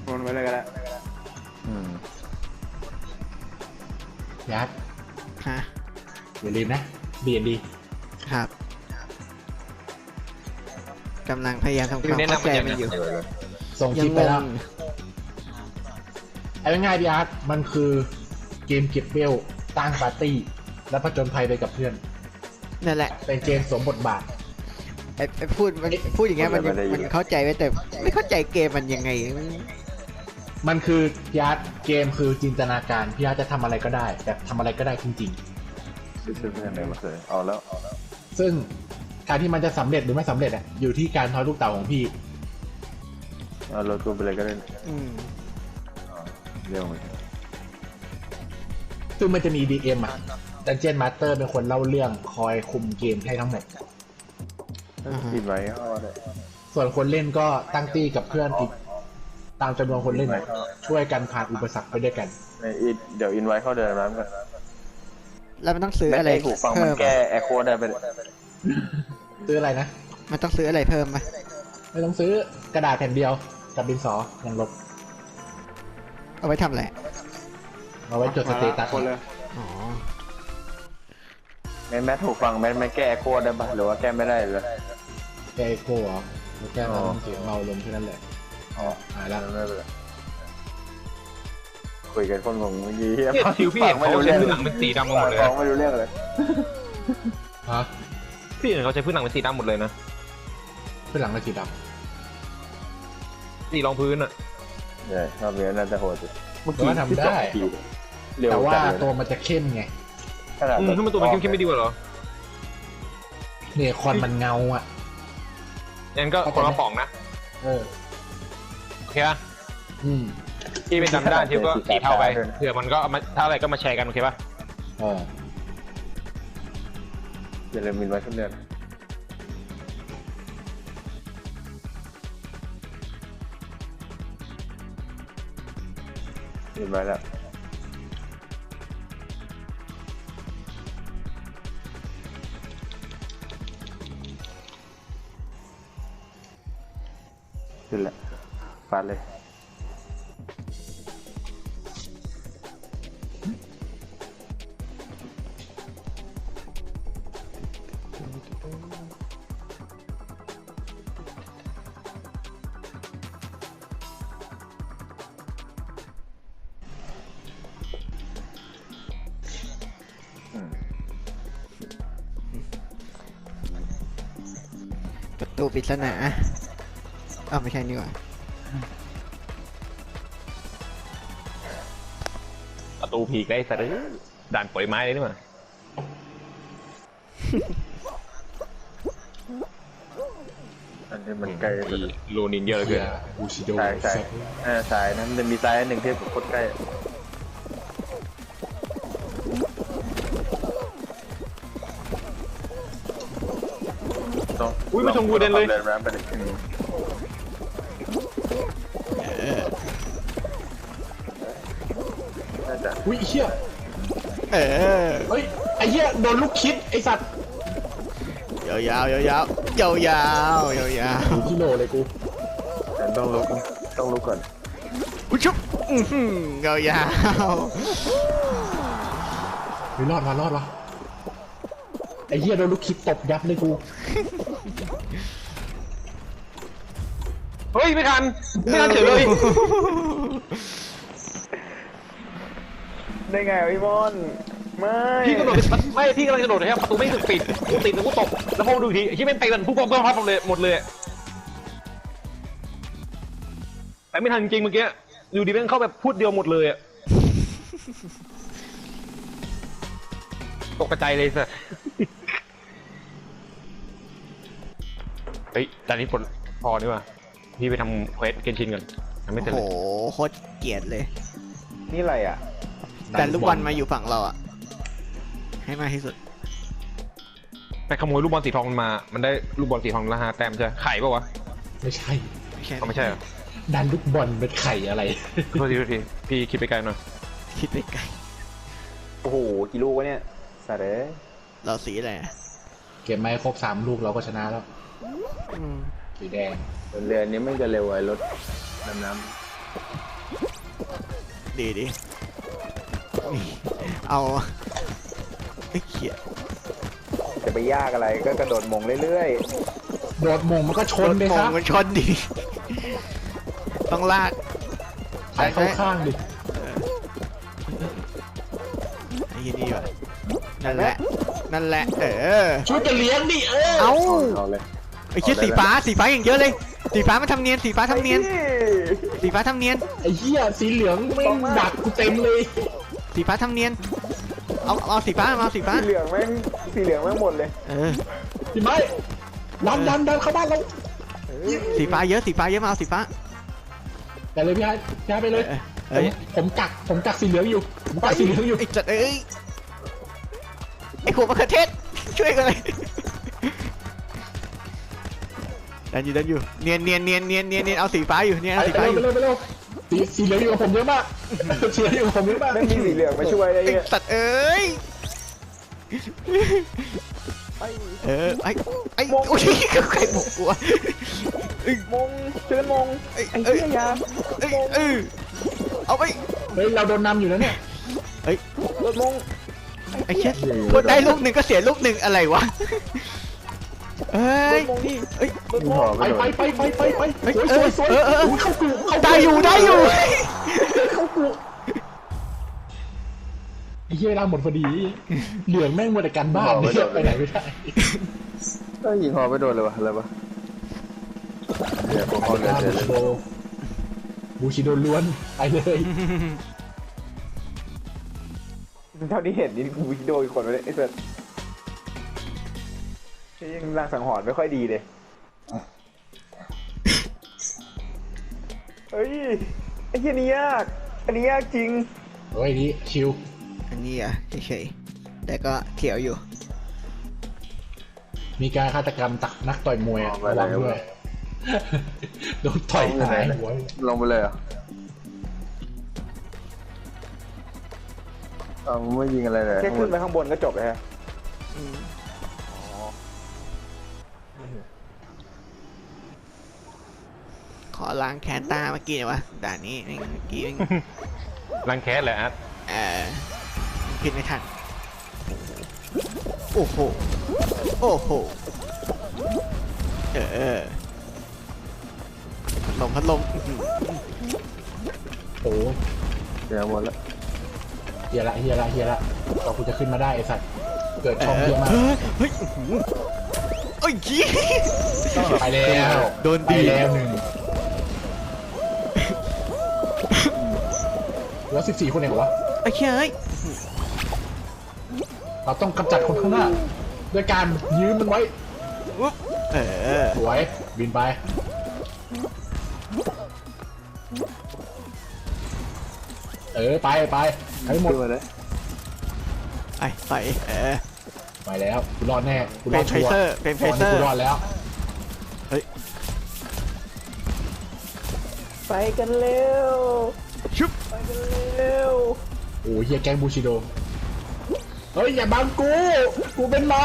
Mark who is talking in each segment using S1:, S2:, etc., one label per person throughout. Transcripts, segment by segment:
S1: มันไว้เลยก็ได้
S2: อืม
S3: ยัด
S4: ฮะ
S3: อย่าลืมนะ B&D
S4: ครับกำลังพยายามทำความเข้าใจมันอยู่
S3: ส่งคลิปไปแล้วเอาง่ายๆพี่อาร์ตมันคือเกมเก็บเวลตั้งปาร์ตี้แล้วผจญภัยไปกับเพื่อน
S4: นั่นแหละ
S3: เป็นเกมสวมบทบาท
S4: ไอ้พูดอย่างเงี้ยมันเข้าใจไว้แต่ไม่เข้าใจเกมมันยังไง
S3: มันคือพี่อาร์ตเกมคือจินตนาการพี่อาร์ตจะทำอะไรก็ได้แต่ทำอะไรก็ได้จริง
S2: ซื้อเพื่อนเลยมาเคยเอาแล้ว
S3: ๆซึ่งการที่มันจะสำเร็จหรือไม่สำเร็จอยู่ที่การทอยลูกเต๋าของพี่
S2: เอารถกูไปเลยก็ได้เร็วเหมือน
S3: ซึ่งมันจะมี DM Dungeon Master เป็นคนเล่าเรื่องคอยคุมเกมให้ทั้งหมด
S2: ปิดไว้เอาได้
S3: ส่วนคนเล่นก็ตั้งตี้กับเพื่อนอีกตามจำนวนคนเล่นช่วยกันผ่านอุปสรรคไปด้วยกัน
S2: เดี๋ยวอินไว้เข้าเดินน้ำกัน
S4: แล้วมันต้องซื้ออะไร
S2: ถูกฟังมันแก้แอคโคได้ไป
S3: ซื้ออะไรนะ
S4: มันต้องซื้ออะไรเพิ่มไหม
S3: ไม่ต้องซื้อกระดาษแผ่นเดียวกับดินสออย่างลบ
S4: เอาไว้ทำอะไร
S3: เอาไว้จดสเตตัส
S1: คนเลย
S4: อ๋อ
S2: แม่ถูกฟังแม่แก้แอคโคได้ปะหรือว่าแก้ไม่ได้เลย
S3: แก้โก้เหรอแก้มันเสียงเบาลงแค่นั้นแหละ
S2: อ๋อ
S3: แล้ว
S2: ไม่เป็นไรคุยกันคนงงเมื่อกี้
S5: ทิวพี่เห็นเขาใช้พื้นหลังเป็นสีดำหมดเลย
S2: ไม่รู้เรื่องเลย
S3: ฮะ
S5: พี่เห็นเขาใช้พื้นหลังเป็นสีดำหมดเลยนะ
S3: พื้นหลังเป็นสีด
S5: ำสีรองพื้นอ่ะ
S2: ใช่รอบนี้น่าจะโหดสุด
S3: เมื่อกี้ทำได้แต่ว่าตัวมันจะเข้มไง
S5: ถ้ามันตัวมันเข้มไม่ดีกว่าหรอ
S3: เนี่ยควันมันเงา
S5: งั้นก็คนละป๋องนะโอเคป่ะที่เป็นดำด้านทิวก็สีเท่าไปเผื่อมันก็ถ้าอะไรก็มาแชร์กันโอเคป่ะ
S2: อย่าลืมมินไว้ขึ้นเดือนมินไว้แล้วขึ้นแหละฟาดเลย
S4: ประตูปริศนาไม่ใช่นี่หว่า
S5: ประตูผีใกล้สะดือด่านปล่อยไม้เลยนี่หว่า
S2: อันนี้มันใกล้
S5: โลนินเยอะเลย
S2: สายนั้นจะมีสายหนึ่งที่โคตรใกล้
S5: อุ้ยไม่ชงกูเด่นเลย
S3: อุ้ยเชี่ยเฮ้ยไอ้เหี้ยโดนลูกคิดไอ้สัตว์
S4: ยาว
S3: ที่โหลเลยกู
S2: ต้องลุกก่อน
S4: อุ้ยชุบยาว
S3: ไม่รอดวะไอ้เหี้ยโดนลูกคิดตบยับเลยกู
S5: เฮ้ยไม่ทันเฉยเลย
S2: ได้ไงพี่บอล
S5: พี่กระโดดไม่พี่กำลังกระโดดนะครับประตูไม่ถูกปิดแล้วกูตกแล้วพอดูทีที่เป็นเตะมันพุ่งก็พับหมดเลยแต่ไม่ทันจริงเมื่อกี้อยู่ดีแม่งเข้าแบบพูดเดียวหมดเลยอะตกกระจายเลยสิเฮ้ยตอนนี้พอดีกว่าพี่ไปทำเควสเกนชินกันยังไม่เสร็จเลย
S4: โอ้โหโคตรเกลียดเลย
S2: นี่อะไรอ่ะ
S4: แต่ลูกบอลมาอยู่ฝั่งเราอ่ะให้มากที่สุด
S5: ไปขโมยลูกบอลสีทองมามันได้ลูกบอลสีทองละ5 แต้มใช่ไข่ป่าวะ
S3: ไม่ใช่
S5: เหรอ
S3: ดันลูกบอลเป็นไข่อะไร
S5: โทษทีพี่คิดไปไกลหน่อย
S4: คิดไปไกล
S2: โอ้โหกี่ลูกวะเนี่ยสาเด้
S4: เราสีอะไร
S3: เก็บไม้ครบ3 ลูกเราก็ชนะแล้วสีแดง
S2: เรือนี้ไม่จะเร็วไอ้รถน้ำ
S4: ดีนี่เอาไอ้เขีย
S2: จะไปยากอะไรก็กระโดดมงเรื่อย
S3: โดดมงมันก็ชนเลยครับ
S4: มันชนดิต้องลาก
S3: ใส่เข้าข้างดิ
S4: ไอ้ยี่นี่วะนั่นแหละ
S3: ช่วยกันเลี้ยงดิ
S4: เอา
S2: ๆเอาเลย
S4: ไอ้เชี่ยสีฟ้าอย่างเยอะเลย สีฟ้ามันทำเนียนสีฟ้าทำเนียน
S3: ไอ้เหี้ยสีเหลืองไม่ดักกูเต็มเลย
S4: สีฟ้าทำเนียนเอาสีฟ้าสีฟ้า
S2: สีเหลืองแม่งหมดเลย
S3: พี่ไม้ดันเข้าบ้านเรา
S4: สีฟ้าเยอะมาเอาสีฟ้า
S3: ไปเลยพี่ไอ้ไปเลยผมกักสีเหลืองอยู่
S4: ไอ้จัดไอ้หัวมะเขือเทศช่วยกันเลยดันอยู่เนียนเอาสีฟ้าอยู่เนี่ยสีฟ้าอยู่
S3: ไปเร็วสีเหลืองอยู่กับผมเยอะมาก
S2: ไม่มีสีเหลืองมาช่วยอะไร
S4: ไอ้
S2: เงี้ย
S4: สัตว์ไอ้โอ้ยใครบอกกูวะ
S2: มงเชิญมงไอ้เหี้ยยาม
S4: เอาไป
S3: เฮ้ยเราโดนนำอยู่แล้วเนี่ย
S2: รถมง
S4: ไอ้เชี่ยพูดได้ลูกหนึ่งก็เสียลูกหนึ่งอะไรวะ
S2: มงนี่
S3: ไปสวยเข้ากู
S4: ได้อยู่
S3: เข้ากูไอ้เหี้ยเราหมดพอดีเหลืองแม่งหมดแต่การบ้านเนี่ยไปไหนไม่ได้
S2: ก็ยิงหอไปโดนเลยวะอะไรวะเดี๋ยวพอเลย
S3: บูชิโดล้วนไปเลย
S2: เท่าที่เห็นนี่บูชิโดอีกคนไปเลยไอ้เสือยังร่างสังหรณ์ไม่ค่อยดีเลยเฮ้ยไอ้เหี้ยนี่ยากอันนี้ยากจริง
S3: เฮ้ยนี่ชิว
S4: อันนี้อ่ะเฉยๆแต่ก็เขียวอยู่
S3: มีการฆาตกรรมตักนักต่อยมวยระวังด้วยโดนต่อยหายหัว
S2: ลงไปเลยอ่ะไม่ยิงอะไรเลยแค่ขึ้นไปข้างบนก็จบเลยฮะ
S4: ขอล้างแคนตาเมื่อกี้วะด่านนี้เมื่อกี้
S5: ล้างแคนเลยอ่ะ
S4: ผิดไม่ทันโอ้โหพัดลม
S3: โอ้
S2: เดี๋ยวหมดแล้ว
S3: เฮียละเราคุณจะขึ้นมาได้ไอ้สัตว์เกิดช่องเยอะมาก
S4: เฮ้ยโอ้ยยี่
S3: ไปแล้ว
S4: โดนดี
S3: แล้วหนึ่งแล้ว14 คนเองเหรอวะ
S4: ไอ้เฮ้ย
S3: เราต้องกำจัดคนข้างหน้าด้วยการยืมมันไว้สวยบินไปไปให้หมด
S4: เลยไป
S3: ไปแล้วกูรอดแน่กูรอดชัวร์
S4: เป็นไฟเซอร์
S3: กูรอดแล้ว
S4: เฮ้ย
S2: ไปกันเร็ว
S4: ชุบ
S2: ไปกันเร็ว
S3: โอ้เฮียแก๊งบูชิโดเฮ้ยอย่าบังกูเป็นม้า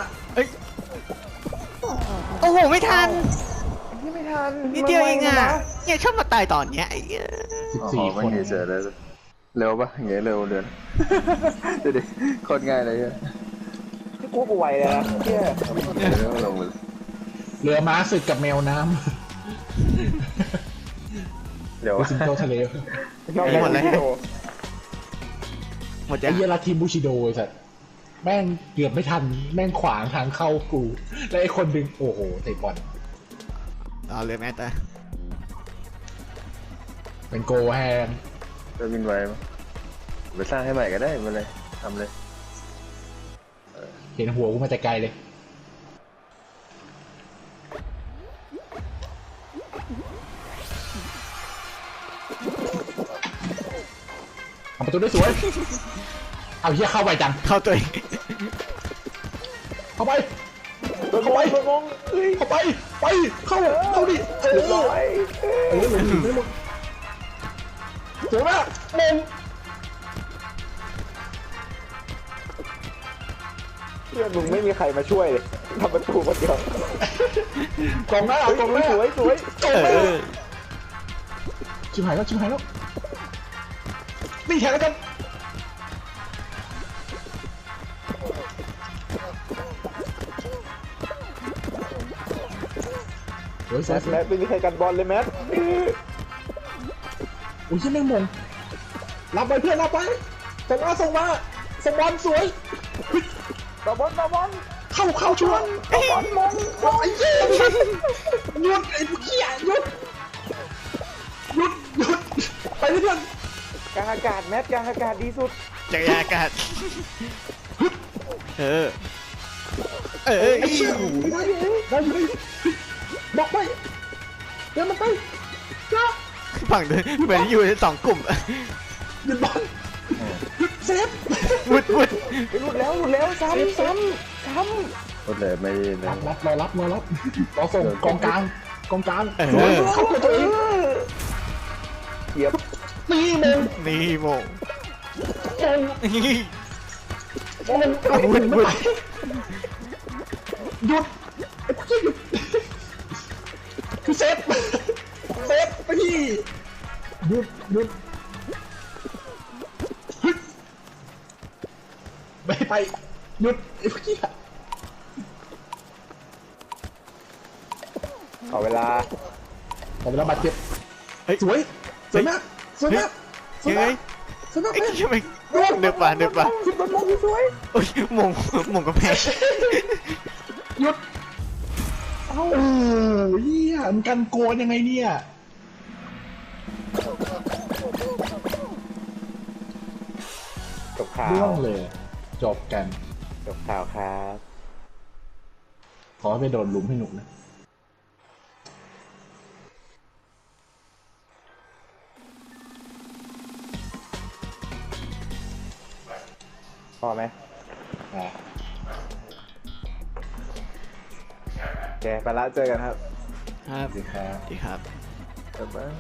S4: โอ้โหไม่ทัน
S2: นิ
S4: ดเดียวเองอ่ะเนี่ยชอบมาตายตอนเนี้ย
S3: 14 คน
S2: เจอเลยเร็วปะอย่างเงี้ยเร็วเดือนดูดิโคตรง่ายเลยที่กูไวเลยนะ
S3: เรือม้าศึกกับแมวน้
S2: ำเดี๋ยว
S3: สิงโตทะเล
S4: หมดเลยหมด
S3: ไอ้เยลาทีมบูชิโดไอ้สัสแม่งเกือบไม่ทันแม่งขวางทางเข้ากูแล้วไอ้คนดึงโอ้โหเตะบอล
S4: เอาเลยแม่ตา
S3: เป็นโกแฮน
S2: จะบินไวมั้ยไปสร้างให้ใหม่ก็ได้มาเลยทำเลย
S3: เห็นหัวกูมาแต่ไกลเลยทำประตูได้สวยเอาเหี้ยเข้าไปจัง
S4: เข้าตัวเอง
S3: เข้าไปเข้าไปเข้าดิสวยมากมง
S2: เพื่อนมึงไม่มีใครมาช่วยเลยทำประตูคนเดียว
S3: กองหน้ากองหน้า
S2: สวย
S3: ชิบหายแล้วนี่แข่งกันโอ้ย
S2: แมทไม่มีใครกันบอลเลยแมท
S3: โอ้ยแม่งมงรับไปเพื่อนรับไปส่งมาส่งบอลสวย
S2: บอล
S3: เข้าชวนบอลมงไอ้เหี้ยหยุดไอ้เหี้ยหยุดไปเพื่อน
S2: กลางอากาศแมทกลางอากาศดีสุด
S4: จักรยานอากาศ
S3: ได้อยู่บอกไปเดี๋ยวมันไปจ้า
S4: ฝั่งเดินเหมือนอยู่ในสองกลุ่ม
S3: หยุดบอลหยุดเซฟ
S4: วุด
S2: หลุดแล้วซ้ำหลุดเลยไม่เลย
S3: รับรอส่งกองกลางเข้าตัวเอง
S2: เหยียบ
S4: นี่โมงวุด
S3: หยุดคือเซฟไปที่หยุดไปหยุดไอ้พวกนี้
S2: เอาเวลา
S3: บาดเจ็บสวยมาก
S4: ยังไงไอ้ทำไมเดือบป่ะ
S2: คิดบอลมงสวย
S4: โอ้ยมงกระแพง
S3: หยุดเฮียมันกันโกนยังไงเนี่ย
S2: จบข่าว
S3: เรื่องเลยจบกัน
S2: จบข่าวครับ
S3: ขอให้ไปโดนลุมให้หนุกนะ
S2: พอไหมโอเคไปละเจอกันครับ
S4: ครับดีครับ
S2: บ๊ายบาย